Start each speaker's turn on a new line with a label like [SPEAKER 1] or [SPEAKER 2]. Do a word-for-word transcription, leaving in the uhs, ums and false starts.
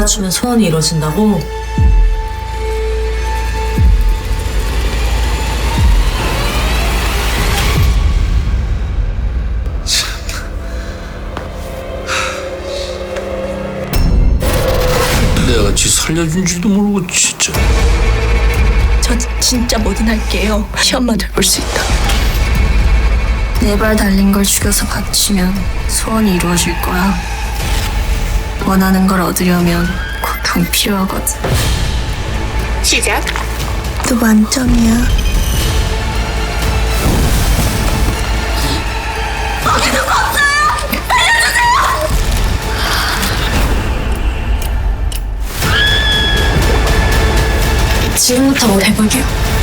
[SPEAKER 1] 도와주면 소원이 이루어진다고?
[SPEAKER 2] 내가 지 살려준 줄도 모르고 진짜.
[SPEAKER 3] 저 진짜 뭐든 할게요. 시험만 잘 볼 수 있다. 네 발 달린 걸 죽여서 바치면 소원이 이루어질 거야. 원하는 걸 얻으려면 고통 필요하거든.
[SPEAKER 4] 시작.
[SPEAKER 3] 또 만점이야. 지금부터 뭐 해볼게요.